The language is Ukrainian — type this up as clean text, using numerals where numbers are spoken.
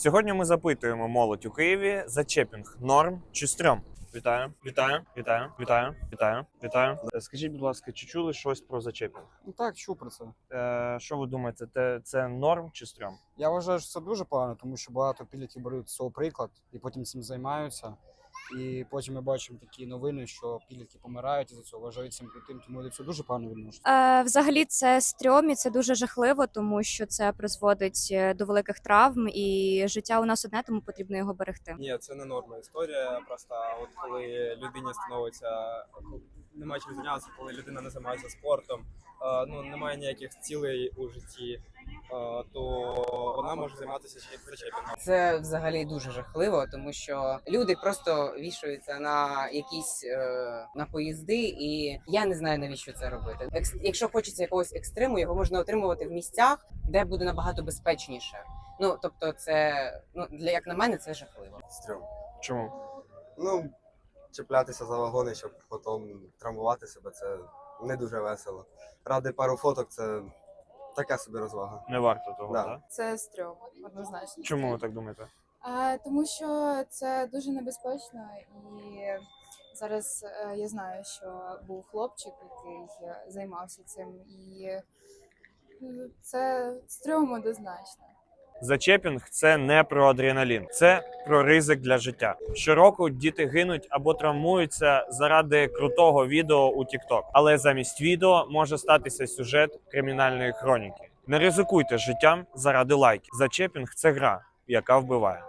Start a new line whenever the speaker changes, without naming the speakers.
Сьогодні ми запитуємо молодь у Києві: зачепінг норм чи стрьом? Вітаю. Скажіть, будь ласка, чи чули щось про зачепінг?
Ну так, чув про це.
Що ви думаєте, це норм чи стрьом?
Я вважаю, що це дуже погано, тому що багато підлітків беруть з цього приклад і потім цим займаються. І потім ми бачимо такі новини, що підлітки помирають із-за цього, вважають цим крутим, тому я до цього дуже погано відношуся.
Взагалі це стрьом і це дуже жахливо, тому що це призводить до великих травм, і життя у нас одне, тому потрібно його берегти.
Ні, це не норма історія. Просто от коли людині становиться, немає чим зайнятися, коли людина не займається спортом, немає ніяких цілей у житті, то вона може займатися зачепінгом.
Це взагалі дуже жахливо, тому що люди просто вішаються на якісь на поїзди, і я не знаю, навіщо це робити. Якщо хочеться якогось екстриму, його можна отримувати в місцях, де буде набагато безпечніше. Ну тобто, це як на мене, це жахливо.
Стрьом.
Чому?
Чіплятися за вагони, щоб потім травмувати себе, це не дуже весело. Ради пару фоток це така собі розвага.
Не варто того,
Да.
так?
Це стрьом, однозначно.
Чому ви так думаєте?
Тому що це дуже небезпечно, і зараз я знаю, що був хлопчик, який займався цим, і це стрьом однозначно.
Зачепінг – це не про адреналін, це про ризик для життя. Щороку діти гинуть або травмуються заради крутого відео у TikTok. Але замість відео може статися сюжет кримінальної хроніки. Не ризикуйте життям заради лайків. Зачепінг – це гра, яка вбиває.